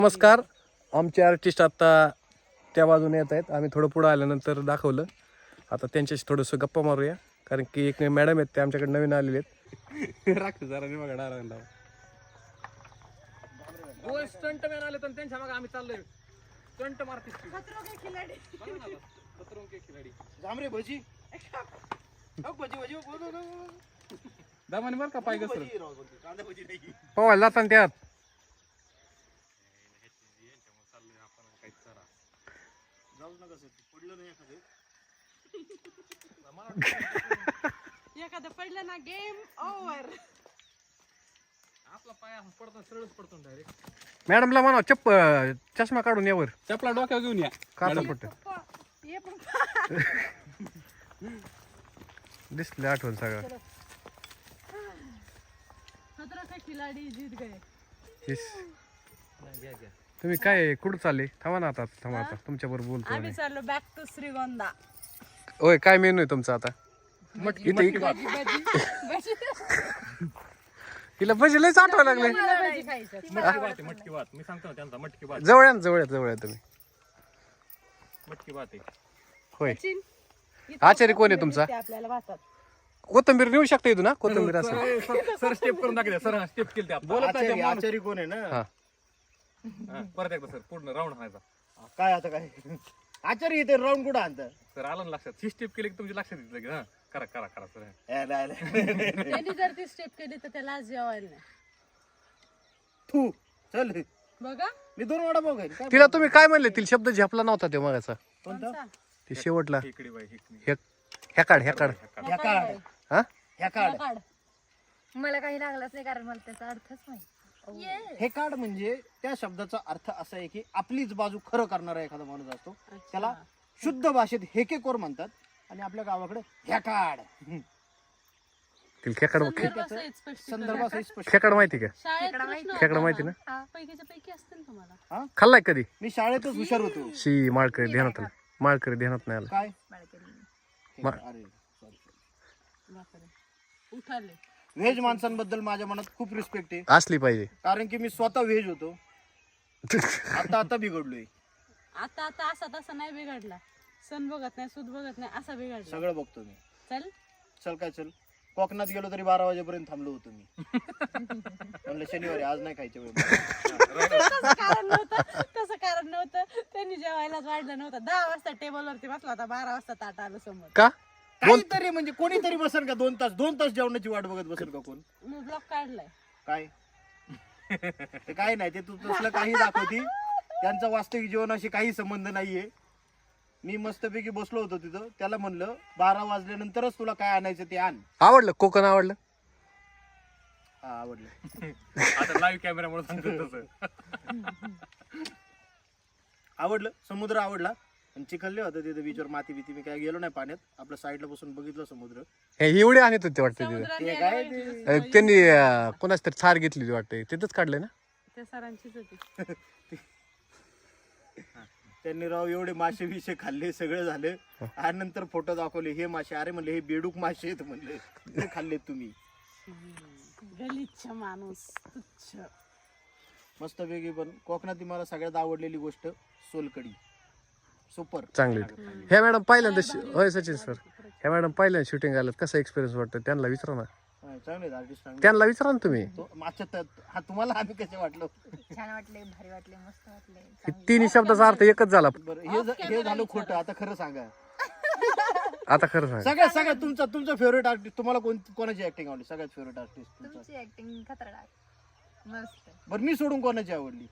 नमस्कार. आमचे आर्टिस्ट आता त्या बाजूने येत आहेत. आम्ही थोडं पुढं आल्यानंतर दाखवलं. आता त्यांच्याशी थोडंसं गप्पा मारूया, कारण की एक मॅडम आहेत ते आमच्याकडे नवीन आलेले आहेत. राखतो जरा मी बघा डारांना स्टंट मॅन आले तर त्यांच्या मागे आम्ही चाललोय. स्टंट मारते जांभरे भजी भजी भजी दामाने बरं का पाय घसरत कांदा भजी नाही पवायला जाताना त्यात जाऊ नका सर पडलं नाही एखादं पडलं ना गेम ओव्हर. आपला पाय पडतो सरळच पडतो डायरेक्ट. मॅडमला म्हणा चष्मा काढून यावर चपला डोक्यावर घेऊन या. काचा पट्ट ये पप्पा दिसले आठवण सगळं. खतरा का खिलाडी जीत गए. तुम्ही काय कुठं चालले? थांबा ना आता, थांबा आता तुमच्याबरोबर बोलतो. आम्ही चाललो बॅक टू श्रीगोंदा. होय, काय मेनू आहे तुमचा आता? भजी हिला भजी लयच आठवायला लागले. भजी खायचं. मटकी भात मी सांगतो ना त्यांचा मटकी भात. जवळ या ना, जवळ या तुम्ही. मटकी भात आहे. होय, इथं आचारी कोण आहे तुमचा? ते आपल्याला भातात. कोथंबीर नेऊ शकता इथून ना? कोथंबीर असं सर स्टेप करून दाखवते. सर स्टेप केली ते बोलत आचारी आचारी कोण आहे ना हा. परत एकदा सर पूर्ण राऊंड हाणायचा. काय आता काय आचारी इथे राऊंड कुठं आणतं सर आलं ना लक्षात. ही स्टेप केली की तुमच्या लक्षात येतं की हा करा करा करा सर. त्यांनी जर ती स्टेप केली तर त्याला आज जेवायला नाही. तू चल बघा मी 2 वडा बघ काय तिला तुम्ही काय म्हणले? तिला शब्द झेपला नव्हता ते मगाचा. कोणता ते शेवटला इकडे बाई इकडे. ह्या काढ ह्या काढ हा. ह्या काढ काढ. मला काही लागलंच नाही, कारण मला त्याचा अर्थच नाही. हे कार्ड म्हणजे त्या शब्दाचा अर्थ असा आहे की आपलीच बाजू खरं करणारा एखादा माणूस असतो, त्याला शुद्ध भाषेत हेकेकोर म्हणतात. आणि आपल्या गावाकडे ह्या कार्ड तिला खेकड संदर्भासहित स्पष्टीकरण. संदर्भासहित स्पष्ट. खेकड माहिती का? शाळेत प्रश्न खेकडा होता माहिती ना? ना? पैकीच्या पैकी असतील तुम्हाला. खाल्लाय कधी? मी शाळेतच हुशार होतो. शी माळकरी ध्यानात आलं. माळकरी ध्यानात नाही आलं. काय बाळकरी. अरे सॉरी बापरे. उठाले. व्हेज माणसांबद्दल माझ्या मनात खूप रिस्पेक्ट आहे, असली पाहिजे. कारण की मी स्वतः व्हेज होतो. आता बिघडलोय. आता आता असा तसा नाही बिघडला. सण बघत नाही, सूद बघत नाही, असा बिघडला. सगळं बघतो मी. चल चल काय चल. कोकणात गेलो तरी 12 वाजेपर्यंत थांबलो होतो मी. म्हणलं शनिवारी आज नाही खायच्या वेळ. तसं कारण नव्हतं. त्यांनी जेवायलाच वाढलं नव्हतं. 10 वाजता टेबलवरती बसला होता, 12 वाजता ताट आलं समोर. का? काहीतरी म्हणजे कोणीतरी बसेल का 2 तास जेवणाची वाट बघत बसेल का कोण? मी ब्लॉक काढलाय. काय ते काय नाही, ते तू तसलं काही दाखवती. त्यांचा वास्तविक जीवनाशी काही संबंध नाहीये. मी मस्तपैकी बसलो होतो तिथं. त्याला म्हणलं 12 वाजल्यानंतरच तुला काय आणायचं ते आण. आवडलं? कोकण आवडलं? हा आवडलं. आता लाईव्ह कॅमेरामुळे सांगतो तसं. आवडलं. समुद्र आवडला. आणि चिखलले होतं तिथे बीचवर, माती भीती. मी काय गेलो नाही पाण्यात. आपलं साईडला बसून बघितलं समुद्र. हे एवढे आणत होते वाटतं तिथं. समुद्राने ते काय यायला ते त्यांनी कोणाच तरी थार घेतली वाटतं, तिथंच काढलंय ना? त्या सरांचीच होती. त्यांनी राव एवढे मासे बिशे खाल्ले, सगळं झालं. आणि नंतर फोटो दाखवले. हे मासे, अरे म्हणले हे बेडूक मासे आहेत म्हणले, ते खाल्लेत तुम्ही. गलिच्छ माणूस, तुच्छ. मस्तपैकी. पण कोकणातली मला सगळ्यात आवडलेली गोष्ट सोलकडी. सुपर चांगली. ह्या मॅडम पहिल्यांदा होय सचिन सर, ह्या मॅडम पहिल्यांदा शूटिंग आलं, कसा एक्सपिरियन्स वाटतं त्यांना विचारा ना. चांगले आर्टिस्ट. त्यांना विचारा ना तुम्ही. हा तुम्हाला आम्ही कसे वाटलो? छान वाटले, भारी वाटले, मस्त वाटले. हे तिन्ही शब्दाचा अर्थ एकच झाला. बरं हे झालं खोटं. आता खरं सांगा. आता खरं सांग. सगळ्यात तुमचा फेवरेट आर्टिस्ट, तुम्हाला कोणाची ऍक्टिंग आवडली? सगळ्यात फेवरेट आर्टिस्ट तुमचा? तुमची ऍक्टिंग खतरनाक मस्त. बरं मी सोडून कोणाची आवडली?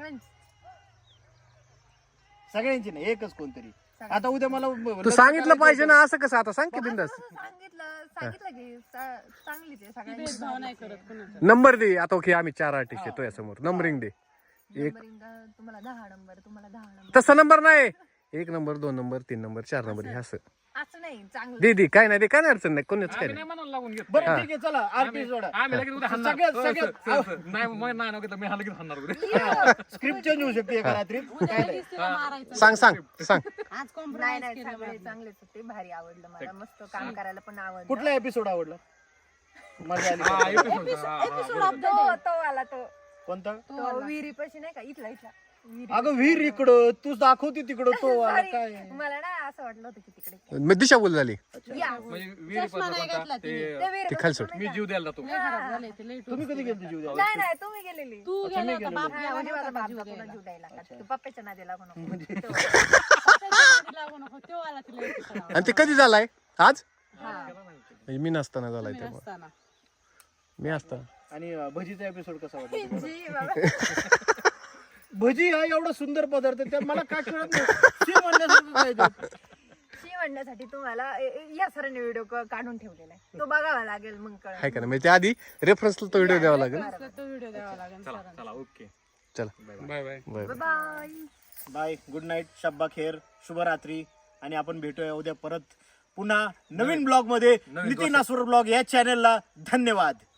सगळ्यांची नाही, एकच कोणतरी. आता उद्या मला तू सांगितलं पाहिजे ना, असं कसं? आता सांग की बिंदास. सांगितलं की चांगलीच आहे भेदभाव नाही सगळ्यांची. करत कुणाचा. नंबर दे आता. ओके, आम्ही 4 आर्टिस्ट येतो समोर. नंबरिंग दे. तुम्हाला 10 नंबर, तुम्हाला 10 नंबर. तसा नंबर नाही. 1 नंबर, 2 नंबर, 3 नंबर, 4 नंबर हे असं. असं नाही, चांगलं. दे काय नाही, काय नाही अडचण नाही. कोणीच काय आम्ही नाही. नाही म्हणायला लागून घेत. बरं ठीक आहे चला आर्टिस्ट जोडा. आम्ही लगेच उद्या हाणणार. सगळ्यात नाही मग नाही घेतलं मी हा लगेच हाणणार उद्या. स्क्रिप्ट चेंज होऊ शकते एका रात्रीत. उद्या लगेच तिला मारायचं. सांग सांग. आज नाही कॉम्प्रोमाइज नाही, केलं चांगले बाबा. चांगलेच होते, भारी आवडलं मला. मस्त काम करायला पण आवडलं. कुठला एपिसोड आवडला? मजा आली हा, का? episode. हा, हा, एपिसोड ऑफ द डे. तो आला तो कोणता? तो विहिरीपाशी नाही का इथला विहिरी. अगं विहीर इकडं, तू दाखवते तिकडं तो वाला Sorry, काय. मला ना असं वाटलं होतं की तिकडे मग दिशा बोल झाली या म्हणजे विहिरी चष्मा नाही घातला ते तिने. त्या विहिरीपाशी खाली सोड. तुम्ही मी जीव द्यायला जातो लय खराब झाले ते लय तुम्ही कधी गेलते जीव द्यायला? नाही नाही तुम्ही गेलेली तू गेला होता बाप हा, गेला म्हणजे माझा नव्हता बाप जीव दाखवला द्यायला. जीव द्यायला का तू पप्पाच्या नादी लागू नको त्याच्या नादी लागू नको, तो आला तिला इथे करावं. आणि ते कधी झालाय आज हा. म्हणजे मी नसताना झालाय तुम्ही तेव्हा नसताना. मी असताना आणि भजीचा एपिसोड कसा वाटला? जी बाबा. भजी हा एवढा सुंदर पदार्थ आहे, त्यात मला काय कळत नाही. शी म्हणण्यासारखं काय ते. शी म्हणण्यासाठी तुम्हाला या सरांनी व्हिडिओ काढून ठेवलेला आहे तो बघावा लागेल मग कळेल. हाय का नाही म्हणजे त्याआधी रेफरन्सला तो व्हिडिओ द्यावा लागेल असला तो व्हिडिओ द्यावा लागेल चला सरांना. चला ओके चला bye bye bye bye. Bye, good night, शब्बा खेर, शुभरात्री. आणि आपण भेटूया उद्या परत पुन्हा नवीन ब्लॉग मध्ये. नितीन आसुर ब्लॉग या चॅनलला धन्यवाद.